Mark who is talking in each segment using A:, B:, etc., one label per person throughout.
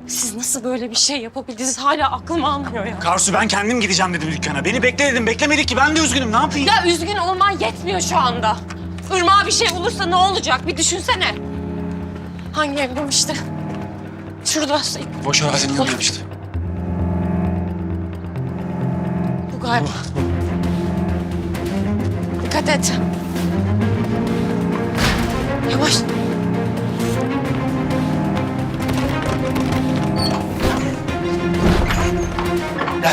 A: Siz nasıl böyle bir şey yapabildiniz? Hala aklım almıyor ya.
B: Karsu ben kendim gideceğim dedim dükkana. Beni bekle dedim. Beklemedik ki. Ben de üzgünüm. Ne yapayım?
A: Ya üzgün olman yetmiyor şu anda. Irmak'a bir şey olursa ne olacak? Bir düşünsene. Hangi ev demişti? Şurada.
B: Boş arazinin yanındayım işte.
A: Bu galiba. Dikkat et. Yavaş.
B: Gel.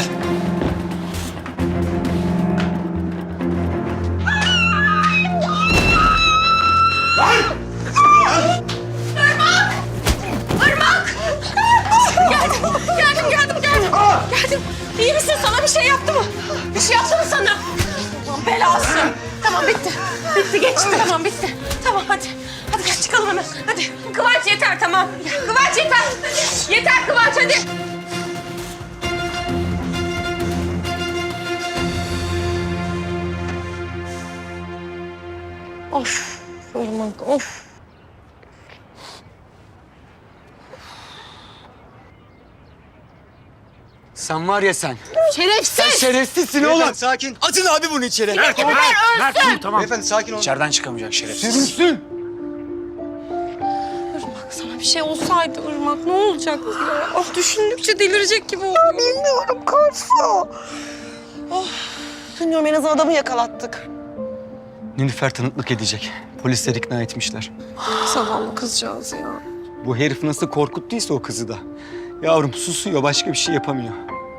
A: Geldim. İyi misin? Sana bir şey yaptı mı? Bir şey yaptı mı sana? Aman belası. Tamam bitti. Bitti geçti. Tamam bitti. Tamam hadi. Hadi gel çıkalım hemen. Hadi. Kıvanç yeter tamam. Kıvanç yeter. Yeter Kıvanç hadi. Of. Irmak of.
C: Sen var ya sen.
A: Şerefsiz.
C: Şerefsizsin oğlum. Sakin. Atın abi bunu içeri.
B: Mert dur tamam.
C: Beyefendi sakin olun.
B: İçeriden çıkamayacak şerefsiz.
C: Sürünsün.
A: Irmak sana bir şey olsaydı Irmak ne olacaktı ya? Oh düşündükçe delirecek gibi oluyor.
D: Bilmiyorum Karsu. Bilmiyorum en azından adamı yakalattık.
C: Nilüfer tanıklık edecek. Polisler ikna etmişler.
A: Zavallı kızcağız ya.
C: Bu herif nasıl korkuttuysa o kızı da. Yavrum susuyor, başka bir şey yapamıyor.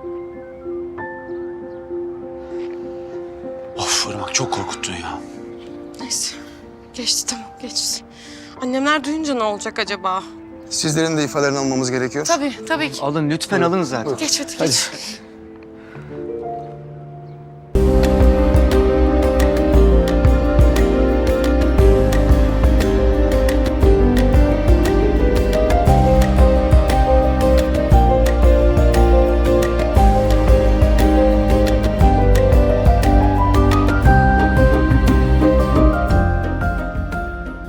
B: Of Irmak çok korkuttun ya.
A: Neyse geçti tamam geçti. Annemler duyunca ne olacak acaba?
E: Sizlerin de ifadelerini almamız gerekiyor.
A: Tabii ki.
C: Alın lütfen alın zaten.
A: Geç hadi
C: Hadi.
A: geç.